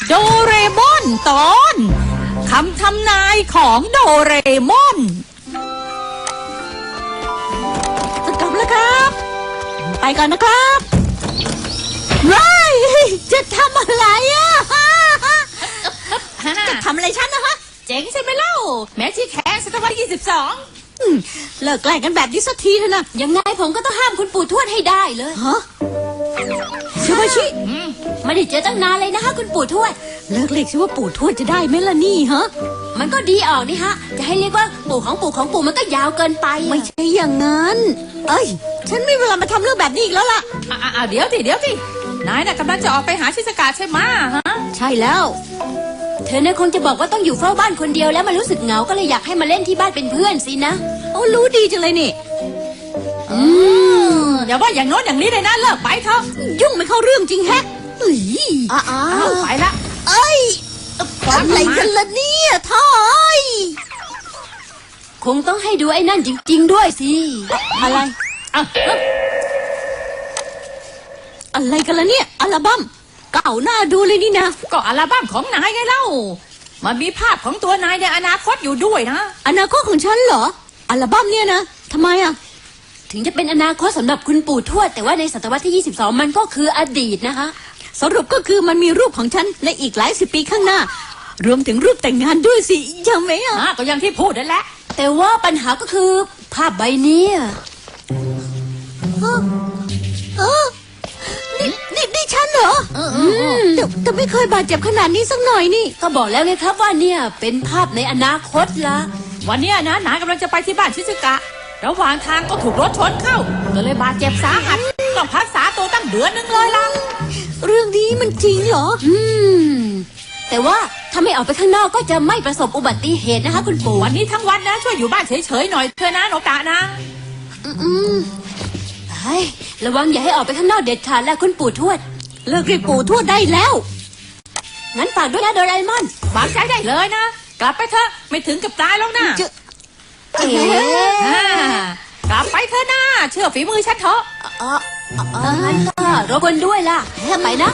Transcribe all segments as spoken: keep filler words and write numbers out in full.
โดเรมอนตอนคำทำนายของโดเรมอนจะกลับแล้วครับไปก่อนนะครับว้ายจะทำอะไรอ่ะจะทำอะไรฉันนะฮะเจ๋งใช่ไหมเล่าแม้ที่แคนศตวรรษที่ยี่สิบสองเลิกแกล้งกันแบบนี้สักทีเถอะนะยังไงผมก็ต้องห้ามคุณปู่ทวดให้ได้เลยฮะชิวาชิไม่ได้เจอตั้งนานเลยนะคะคุณปู่ทวดเลิกเรียกชิว่าปู่ทวดจะได้ไหมล่ะนี่ฮะมันก็ดีออกนี่ฮะจะให้เรียกว่าปู่ของปู่ของปู่มันก็ยาวเกินไปไม่ใช่อย่างนั้นเอ้ยฉันไม่เวลามาทำเรื่องแบบนี้อีกแล้วล่ะอ่าเดี๋ยวสิเดี๋ยวสินายน่ะกำลังจะออกไปหาชิสกาใช่ไหมฮะใช่แล้วเธอเนี่ยคงจะบอกว่าต้องอยู่เฝ้าบ้านคนเดียวแล้วมันรู้สึกเหงาก็เลยอยากให้มาเล่นที่บ้านเป็นเพื่อนสินะโอ้รู้ดีจังเลยนี่อืมอย่าว่าอย่างโน้นอย่างนี้เลยนะเลิกไปเถอะยุ่งไม่เข้าเรื่องจริงแฮะเอ้ยอ้าวไปละเอ้ยอะไรกันล่ะเนี่ยท่อยคงต้องให้ดูไอ้นั่นจริงๆด้วยสิอะไรอะอะไรกันล่ะเนี่ยอัลบั้มเก่าหน้าดูเลยนี่นะก็อัลบั้มของนายไงเล่ามันมีภาพของตัวนายในอนาคตอยู่ด้วยนะอนาคตของฉันเหรออัลบั้มเนี่ยนะทำไมอะถึงจะเป็นอนาคตสำหรับคุณปู่ทวดแต่ว่าในศตวรรษที่ยี่สิบสองมันก็คืออดีตนะคะสรุปก็คือมันมีรูปของฉันในอีกหลายสิบปีข้างหน้ารวมถึงรูปแต่งงานด้วยสิยังไหมอ่ะก็ยังที่พูดนั่นแหละแต่ว่าปัญหาก็คือภาพใบนี้เออนี่นี่นี่ฉันเหรอแต่แต่ไม่เคยบาดเจ็บขนาดนี้สักหน่อยนี่ก็บอกแล้วไงครับว่าเนี่ยเป็นภาพในอนาคตละวันนี้นะนายกำลังจะไปที่บ้านชิซึกะระหว่างทางก็ถูกรถชนเข้าก็เลยบาดเจ็บสาหัสต้องพักษาตัวตั้งเดือนนึงเลยล่ะเรื่องนี้มันจริงเหรออืมแต่ว่าถ้าไม่ออกไปข้างนอกก็จะไม่ประสบอุบัติเหตุนะคะคุณปู่วันนี้ทั้งวันนะช่วยอยู่บ้านเฉยๆหน่อยเถอะนะโนกะนะอืมเฮ้ยระวังอย่าให้ออกไปข้างนอกเด็ดขาดแล้วคุณปู่ทวดเลิกเรียกปู่ทวดได้แล้วงั้นฝากด้วยนะโดราเอมอนฝากใจได้เลยนะกลับไปเถอะไม่ถึงกับตายแล้วนะเอ๋กลับไปเถอะนะเชื่อฝีมือฉันเถอะเออเอองั้นก็รบกวนด้วยล่ะไปนะ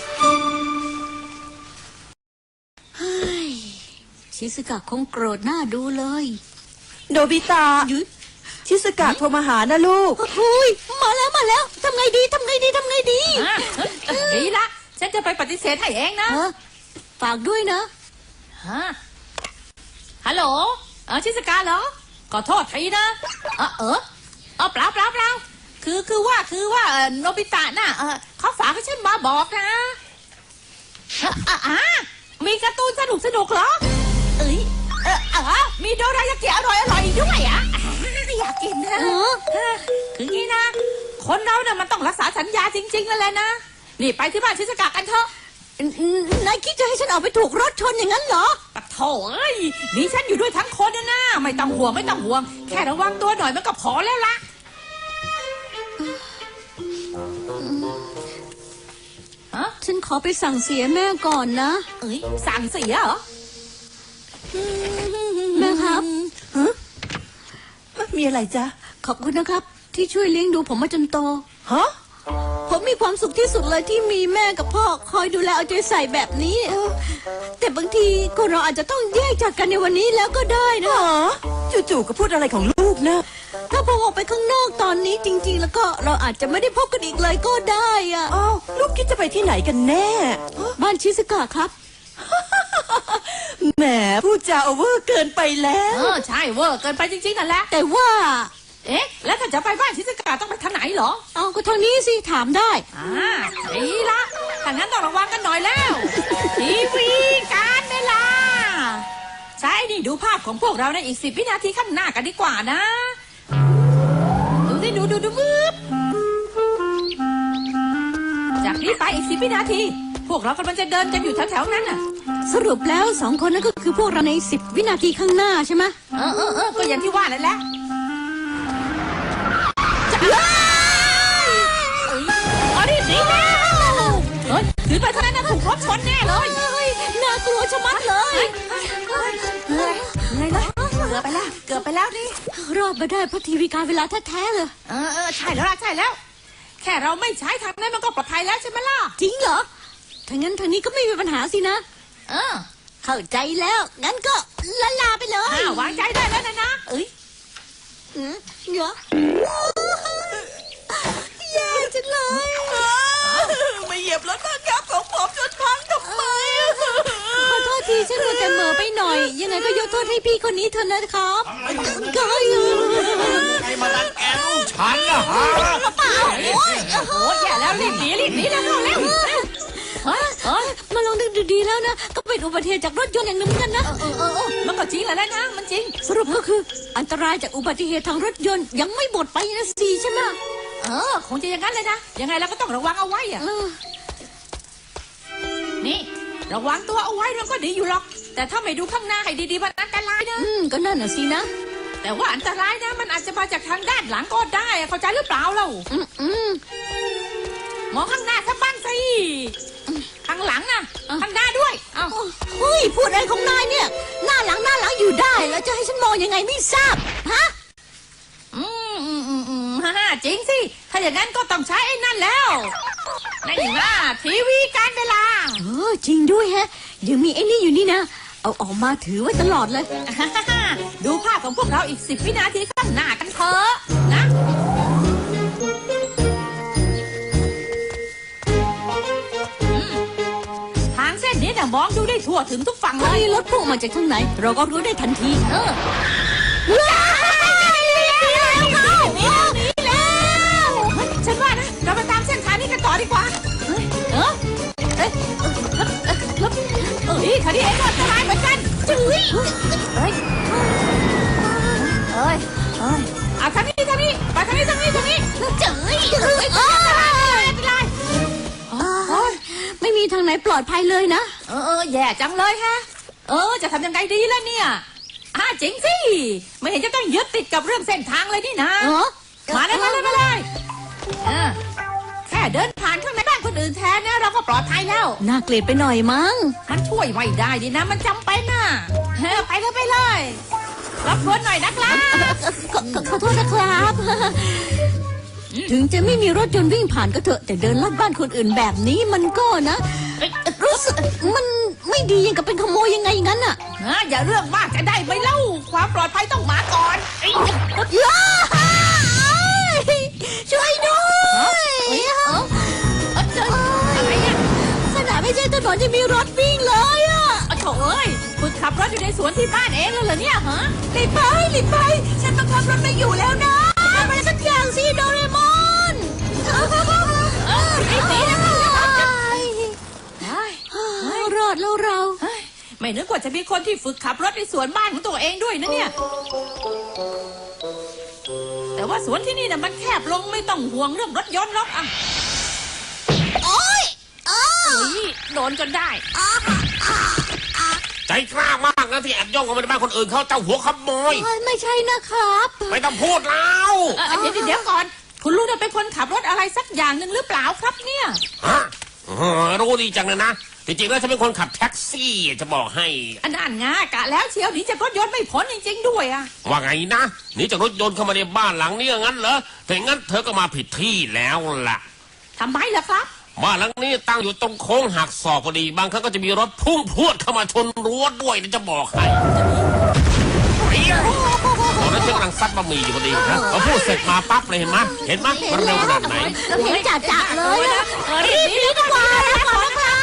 ชิสกะคงโกรธหน้าดูเลยโนบิตะชิสกะโทรมาหานะลูกเฮ้ยมาแล้วมาแล้วทำไงดีทำไงดีทำไงดีดีละฉันจะไปปฏิเสธให้เองนะฝากด้วยนะฮัลโหลเออชิสกะเหรอขอโทษทีนะเออเออเออเปล่าเปล่าเปล่าคือคือว่าคือว่าโนบิตะน่ะเขาฝากให้ฉันมาบอกนะอ่ามีการ์ตูนสนุกสนุกเหรอเอ้ยเออเออมีโดรายากิอร่อยอร่อยด้วยอ่ะอยากกินนะคืองี้นะคนเราเนี่ยมันต้องรักษาสัญญาจริงๆนั่นแหละนะนี่ไปที่บ้านชิสกะกันเถอะนายคิดจะให้ฉันออกไปถูกรถชนอย่างนั้นเหรอปะโถเอ้ยนี่ฉันอยู่ด้วยทั้งคนนะนะไม่ต้องห่วงไม่ต้องห่วงแค่ระวังตัวหน่อยมันก็พอแล้วล่ะฉันขอไปสั่งเสียแม่ก่อนนะเอ้ยสั่งเสียเหรอแม่ครับฮะมีอะไรจ๊ะขอบคุณนะครับที่ช่วยเลี้ยงดูผมมาจนโตฮะผมมีความสุขที่สุดเลยที่มีแม่กับพ่อคอยดูแลเอาใจใส่แบบนี้แต่บางทีก็เราอาจจะต้องแยกจากกันในวันนี้แล้วก็ได้นะจู่ๆก็พูดอะไรของลูกนะถ้าผมออกไปข้างนอกตอนนี้จริงๆแล้วก็เราอาจจะไม่ได้พบกันอีกเลยก็ได้อ่ะอ้าวลูกคิดจะไปที่ไหนกันแน่บ้านชิสกะครับแหมพูดจาโอเวอร์เกินไปแล้วเออใช่เวอร์เกินไปจริงๆนั่นแหละแต่ว่าเอ๊ะแล้วถ้าจะไปบ้านชิสกะต้องไปทางไหนเหรอเอาก็ทางนี้สิถามได้อ่าดีละถ้างั้นต้องระวังกันหน่อยแล้วทีวีการเวลาใช่นี่ดูภาพของพวกเราในอีกสิบวินาทีข้างหน้ากันดีกว่านะดูสิดูดูดูมืบจากนี้ไปอีกสิบวินาทีพวกเรากำลังจะเดินกันอยู่แถวๆนั้นน่ะสรุปแล้วสองคนนั้นก็คือพวกเราในสิบวินาทีข้างหน้าใช่ไหมเออเออเออก็อย่างที่ว่านั่นแหละอ๋อนี่สิเฮ้ยถือไปเท่านั้นนะถูกรถชนแน่เลยน่ากลัวชะมัดเลยไงล่ะเกือบไปแล้วเกือบไปแล้วนี่รอดมาได้เพราะทีวีการเวลาแท้ๆเลยเออเออใช่แล้วใช่แล้วแค่เราไม่ใช้ทางนั้นมันก็ปลอดภัยแล้วใช่ไหมล่ะจริงเหรอถ้างั้นทางนี้ก็ไม่มีปัญหาสินะเออเข้าใจแล้ว งั้นก็ละลาไปเลยอ้าววางใจได้แล้วนะนะเอ้ยอืมเหรอแย่จังเลยไม่เหยียบรถบังคับของผมจนพังทำไมขอโทษทีฉันมัวแต่เหม่อไปหน่อย ยังไงก็ยกโทษให้พี่คนนี้เถอะนะครับก็อยู่ใครมาดันแกลูกฉันนะฮะโอ้ยโอ้ยแย่แล้วรีบหนีรีบหนีแล้วเร็วเร็วเฮ้ยเฮ้ยมาลองดูดีๆแล้วนะ ก็เป็นอุบัติเหตุจากรถยนต์อย่างหนึงเหมือนกันนะเออเออเออมันก็จริงแหละนะมันจริงสรุปก็คืออันตรายจากอุบัติเหตุทางรถยนต์ยังไม่หมดไปนะสิใช่ไหมเออคงจะอย่างนั้นเลยนะยังไงเราก็ต้องระวังเอาไว้อะเออนี่ระวังตัวเอาไว้มันก็ดีอยู่หรอก แต่ถ้าไม่ดูข้างหน้าให้ดีๆมันอันตรายนะอืมก็นั่นน่ะสินะแต่ว่าอันตรายนะมันอาจจะมาจากทางด้านหลังก็ได้อะเข้าใจหรือเปล่าเราอืมอืมมองข้างหน้าซะบ้างสิข้างหลังนะข้างหน้าด้วยเอ้าเฮ้ยพูดอะไรของนายเนี่ย หน้าหลังหน้าหลังอยู่ได้ แล้วจะให้ฉันมองยังไงไม่ทราบฮะอืมอืมอืมอืมฮ่าฮ่าจริงสิถ้าอย่างนั้นก็ต้องใช้ไอ้นั่นแล้วนี่ว่าทีวีการเวลาเออจริงด้วยแฮะยังมีไอ้นี่อยู่นี่นะ เอาออกมาถือไว้ตลอดเลยฮ่าฮ่าฮ่าดูภาพของพวกเราอีกสิบวินาทีข้างหน้ากันเถอะนะอืมทางเส้นนี้เนี่ยมองดูได้ทั่วถึงทุกฝั่งเลถ้าย มีรถพุ่งมาจากทางไหน เราก็รู้ได้ทันทีเออว้ายหนีแล้วเขาหนีแล้วเฮ้ยฉันว่านะเราไปตามเส้นทางนี้กันต่อดีกว่าเฮ้ยเออเอ้ยเอ้ยเอ้ยเอ้ยเอ้ยคราวนี้เองก็อันตรายเหมือนกันจุ๊ยเอ้ยเอ้ยเอ้ยเอาทางนี้ทางนี้ไปทางนี้ทางนี้ทางนี้เจ๋ยเอ้ยไม่เป็นไรโอ๊ยไม่มีทางไหนปลอดภัยเลยนะเออเออแย่จังเลยฮะเออจะทำยังไงดีล่ะเนี่ยอ่าจริงสิไม่เห็นจะต้องยึดติดกับเรื่องเส้นทางเลยนี่นะเออมาเลยมาเลยมาเลยอ่าแค่เดินผ่านข้างในบ้านคนอื่นแทนเนี่ยเราก็ปลอดภัยแล้วน่าเกลียดไปหน่อยมั้งมันช่วยไม่ได้ดินะ มันจำเป็นน่ะเฮ้ยไปเลยไปเลยรับรวนหน่อยนะครับขอขอขอโทษนะครับ ถึงจะไม่มีรถยนต์วิ่งผ่านก็เถอะ แต่เดินลัดบ้านคนอื่นแบบนี้มันก็นะเอ้ยรู้สึกมันไม่ดียังกับเป็นขโมยยังไงงั้นอ่ะนะอย่าเรื่องมากจะได้ไหมเล่า ความปลอดภัยต้องมาก่อนเอ้ยย้ายช่วยด้วยเอ้ยเอ้าเอ้ยเจออะไรเนี่ยขนาดไม่ใช่ถนนจะมีรถวิ่งเลยอ่ะโอ้โถเอ้ยคุณขับรถอยู่ในสวนที่บ้านเองแล้วเหรอเนี่ยฮะรีบไปรีบไป ฉันบังคับรถไม่อยู่แล้วนะทำอะไรสักอย่างสิโดเรมอนเออรีบหนีนะรอดแล้วเราเฮ้ยไม่นึกว่าจะมีคนที่ฝึกขับรถในสวนบ้านของตัวเองด้วยนะเนี่ย แต่ว่าสวนที่นี่น่ะมันแคบลงไม่ต้องห่วงเรื่องรถยนต์หรอกอ่ะโอ๊ยอ้าเฮ้ยโดนจนได้ใจกล้ามากนะที่แอบย่องเข้ามาในบ้านคนอื่นเขาเจ้าหัวขโมยไม่ใช่นะครับไม่ต้องพูดแล้วเอ่อเดี๋ยวเดี๋ยวก่อน คุณลุงเนี่ยเป็นคนขับรถอะไรสักอย่างหนึ่งหรือเปล่าครับเนี่ยฮะเออรู้ดีจังเลยนะจริงๆแล้วฉันเป็นคนขับแท็กซี่จะบอกให้อันนั้นงากะแล้วเชียวหนีจากรถยนต์ไม่พ้นจริงๆด้วยอ่ะว่าไงนะหนีจากรถยนต์เข้ามาในบ้านหลังนี้งั้นเหรอถ้าอย่างนั้นเธอก็มาผิดที่แล้วล่ะทำไมล่ะครับบ้านหลังนี้ตั้งอยู่ตรงโค้งหักศอกพอดีบางครั้งก็จะมีรถพุ่งพรวดเข้ามาชนรั้วด้วยนะจะบอกให้เฮ้ยตอนนั้นฉันกำลังซัดบะหมี่อยู่พอดีนะพอพูดเสร็จมาปั๊บเลยเห็นไหมเห็นไหมมันเร็วขนาดไหนเราเห็นจ่าจ่าเลยนะเออรีบหนีดีกว่าแล้วก่อนนะครับ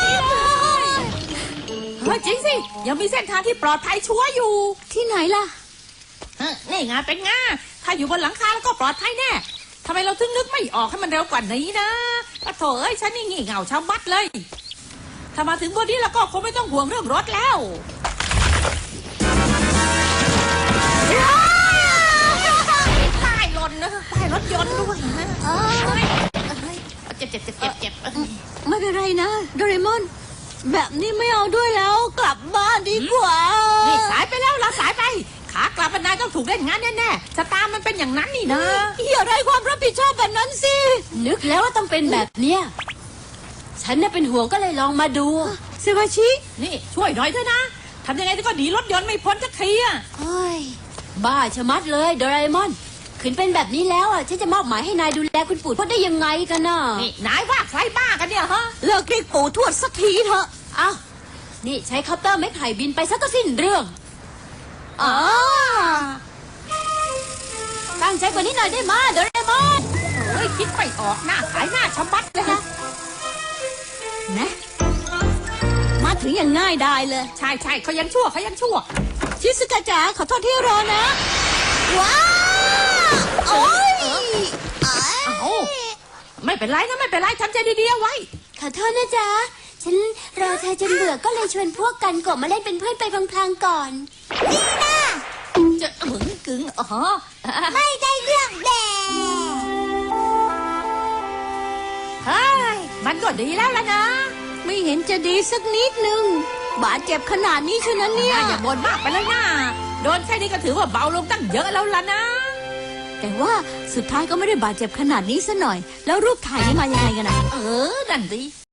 เฮ้ยจริงสิ ยังมีเส้นทางที่ปลอดภัยชัวร์อยู่ที่ไหนล่ะเออนี่ไงเป็นไงถ้าอยู่บนหลังคาแล้วก็ปลอดภัยแน่ทำไมเราถึงนึกไม่ออกให้มันเร็วกว่านี้นะปะโถเอ้ยฉันนี่งี่เง่าชาวบัดเลย ถ้ามาถึงบนนี้แล้วก็คงไม่ต้องห่วงเรื่องรถแล้วป้ายหล่นนะป้ายรถยนต์ด้วยนะเอ้ยเอ้ยเจ็บเจ็บเจ็บเจ็บเจ็บไม่เป็นไรนะโดเรมอน แบบนี้ไม่เอาด้วยแล้วกลับบ้านดีกว่านี่สายไปแล้วเราสายไป ขากลับมันนายต้องถูกเล่นงานแน่ๆชะตามันเป็นอย่างนั้นนี่นะอย่าได้ความรับผิดชอบแบบนั้นสิ นึกแล้วว่าต้องเป็นแบบเนี้ยฉันน่ะเป็นห่วงก็เลยลองมาดูเซวาชินี่ช่วยหน่อยเถอะนะทำยังไงก็หนีรถยนต์ไม่พ้นสักทีอะเฮ้ยบ้าชะมัดเลยโดราเอมอน คขืนเป็นแบบนี้แล้วอ่ะฉันจะมอบหมายให้นายดูแลคุณปู่ทวดได้ยังไงกันน่ะนี่นายว่าใครบ้ากันเนี่ยฮะเลิกเรียกปู่ทวดสักทีเถอะอ้าวนี่ใช้คอปเตอร์ไม้ไผ่บินไปซะก็สิ้นเรื่องอ๋อตั้งใจกว่านี้หน่อยได้มาโดเรมอนโอ้ยคิดไม่ออกหน้าขายหน้าชะมัดเลยฮะนะมาถึงอย่างง่ายได้เลยใช่ใช่เขายังชั่วเขายังชั่วชิสกาจ๋าขอโทษที่รอนะ ว้าวโอ้ยเอ้าไม่เป็นไรนะไม่เป็นไรทำใจดีๆเอาไว้ขอโทษนะจ๊ะ ฉันรอเธอจนเบื่อก็เลยชวนพวกกันกบมาเล่นเป็นเพื่อนไปพลางๆก่อน นี่นะจะหมึงกึ๋งอ๋อไม่ได้เรื่องแดเฮ้ยมันก็ดีแล้วล่ะนะไม่เห็นจะดีสักนิดนึง บาดเจ็บขนาดนี้เชยวนะเนี่ยน่าอย่าบ่นมากไปเลยนะโดนแค่นี้ก็ถือว่าเบาลงตั้งเยอะแล้วล่ะนะแต่ว่าสุดท้ายก็ไม่ได้บาดเจ็บขนาดนี้ซะหน่อย แล้วรูปถ่ายนี่มายังไงกันนะเออนั่นสิ